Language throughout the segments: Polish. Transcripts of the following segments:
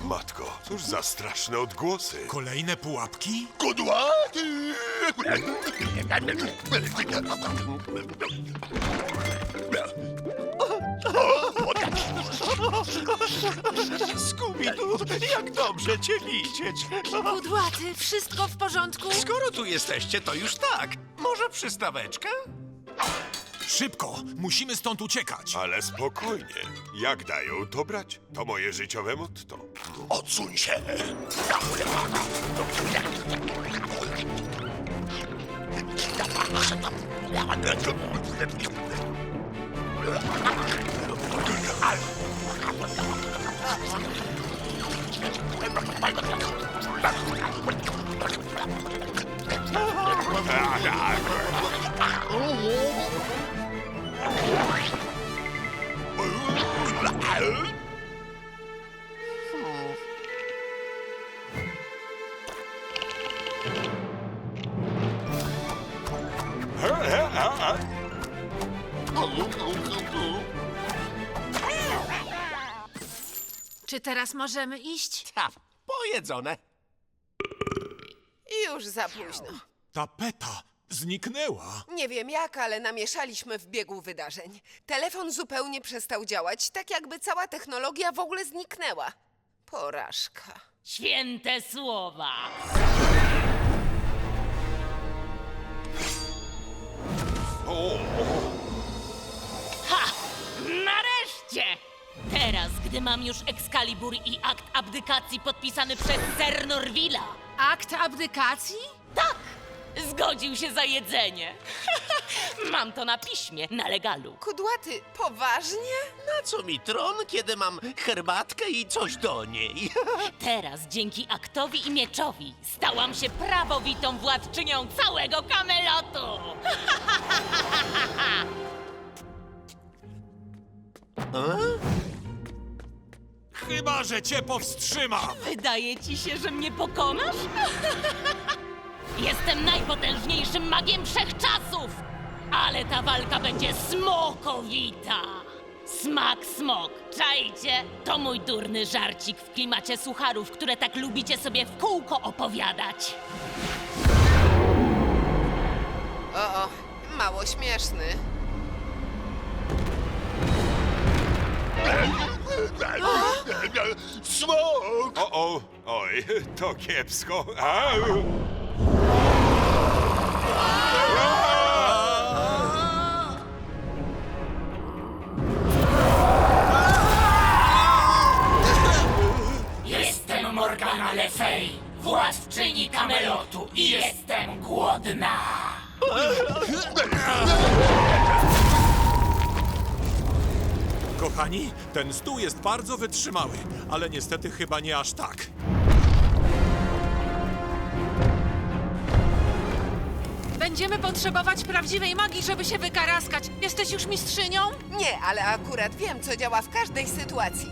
Matko, cóż za straszne odgłosy. Kolejne pułapki? Kudłaty! Skubidu, jak dobrze cię widzieć. Kudłaty, wszystko w porządku? Skoro tu jesteście, to już tak. Może przystaweczkę? Szybko! Musimy stąd uciekać! Ale spokojnie. Jak dają, to brać. To moje życiowe motto. Odsuń się! Czy teraz możemy iść? Ta, pojedzone. Już za późno. Tapeta zniknęła! Nie wiem jak, ale namieszaliśmy w biegu wydarzeń. Telefon zupełnie przestał działać, tak jakby cała technologia w ogóle zniknęła. Porażka. Święte słowa. Ha! Nareszcie! Teraz, gdy mam już Excalibur i akt abdykacji podpisany przez Ser Norvilla. Akt abdykacji? Tak! Zgodził się za jedzenie. Mam to na piśmie, na legalu. Kudłaty, poważnie? Na co mi tron, kiedy mam herbatkę i coś do niej? Teraz, dzięki aktowi i mieczowi, stałam się prawowitą władczynią całego Kamelotu. Chyba, że cię powstrzymam! Wydaje ci się, że mnie pokonasz? Jestem najpotężniejszym magiem wszechczasów! Ale ta walka będzie smokowita! Smak smok, czajcie? To mój durny żarcik w klimacie sucharów, które tak lubicie sobie w kółko opowiadać. O, mało śmieszny. Smok! Oj, to kiepsko. Au! Jestem Morgana Le Fay, władczyni Kamelotu i jestem głodna! Kochani, ten stół jest bardzo wytrzymały, ale niestety chyba nie aż tak. Będziemy potrzebować prawdziwej magii, żeby się wykaraskać. Jesteś już mistrzynią? Nie, ale akurat wiem, co działa w każdej sytuacji.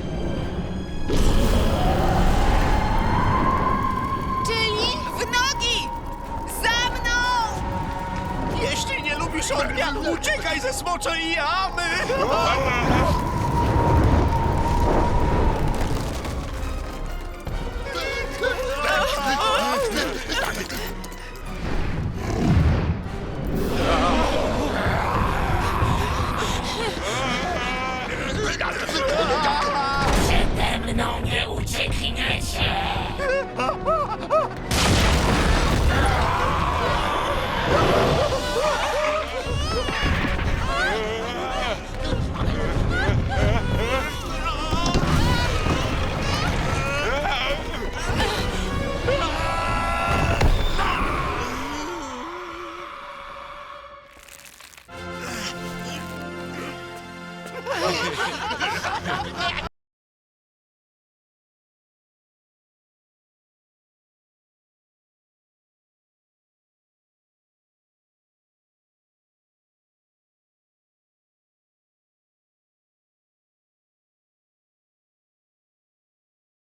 Czyli? W nogi! Za mną! Jeśli nie lubisz odmian, uciekaj ze smoczej jamy!